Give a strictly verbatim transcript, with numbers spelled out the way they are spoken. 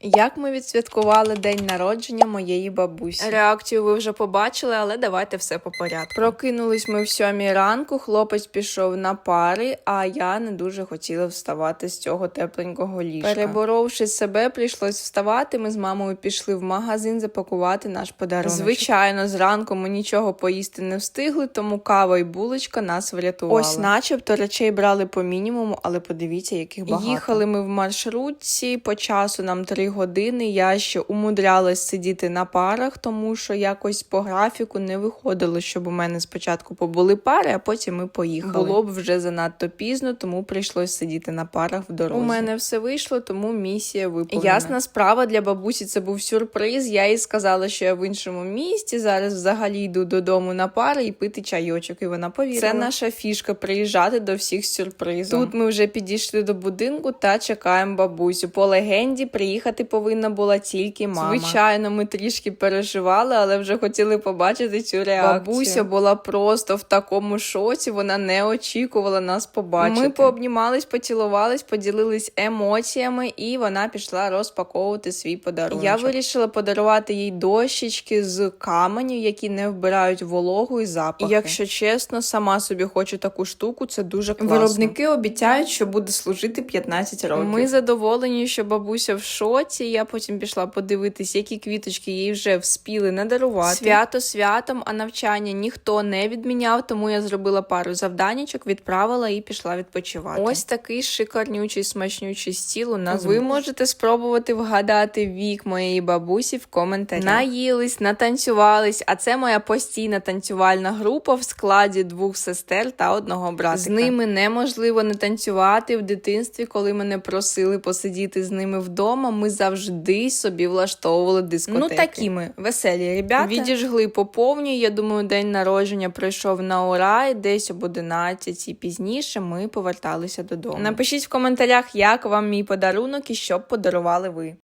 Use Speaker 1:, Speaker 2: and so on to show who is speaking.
Speaker 1: Як ми відсвяткували день народження моєї бабусі. Реакцію ви вже побачили, але давайте все по порядку. Прокинулись ми в сьомій ранку, хлопець пішов на пари, а я не дуже хотіла вставати з цього тепленького ліжка. Переборовши себе, прийшлось вставати, ми з мамою пішли в магазин запакувати наш подарунок. Звичайно, зранку ми нічого поїсти не встигли, тому кава і булочка нас врятували. Ось начебто речей брали по мінімуму, але подивіться, яких багато. Їхали ми в маршрутці, по часу нам три години, я ще умудрялась сидіти на парах, тому що якось по графіку не виходило, щоб у мене спочатку побули пари, а потім ми поїхали. Було б вже занадто пізно, тому прийшлось сидіти на парах в дорозі. У мене все вийшло, тому місія виповнена. Ясна справа, для бабусі це був сюрприз, я їй сказала, що я в іншому місті, зараз взагалі йду додому на пари і пити чайочок, і вона повірила. Це наша фішка, приїжджати до всіх з сюрпризом. Тут ми вже підійшли до будинку та чекаємо бабусю. По легенді, приїхати повинна була тільки мама. Звичайно, ми трішки переживали, але вже хотіли побачити цю реакцію. Бабуся була просто в такому шоці, вона не очікувала нас побачити. Ми пообнімались, поцілувались, поділились емоціями, і вона пішла розпаковувати свій подарунок. Я вирішила подарувати їй дощечки з каменю, які не вбирають вологу і запахи. І, якщо чесно, сама собі хочу таку штуку, це дуже класно. Виробники обіцяють, що буде служити п'ятнадцять років. Ми задоволені, що бабуся в шоці. Я потім пішла подивитись, які квіточки їй вже вспіли надарувати. Свято святом, а навчання ніхто не відміняв, тому я зробила пару завданічок, відправила і пішла відпочивати. Ось такий шикарнючий, смачнючий стіл у нас. Ви можете спробувати вгадати вік моєї бабусі в коментарях. Наїлись, натанцювались, а це моя постійна танцювальна група в складі двох сестер та одного братика. З ними неможливо не танцювати. В дитинстві, коли мене просили посидіти з ними вдома, ми завжди собі влаштовували дискотеки. Ну такі ми, веселі ребята. Відіжгли по повній, я думаю, день народження пройшов на ура, і десь об одинадцятій пізніше ми поверталися додому. Напишіть в коментарях, як вам мій подарунок і що б подарували ви.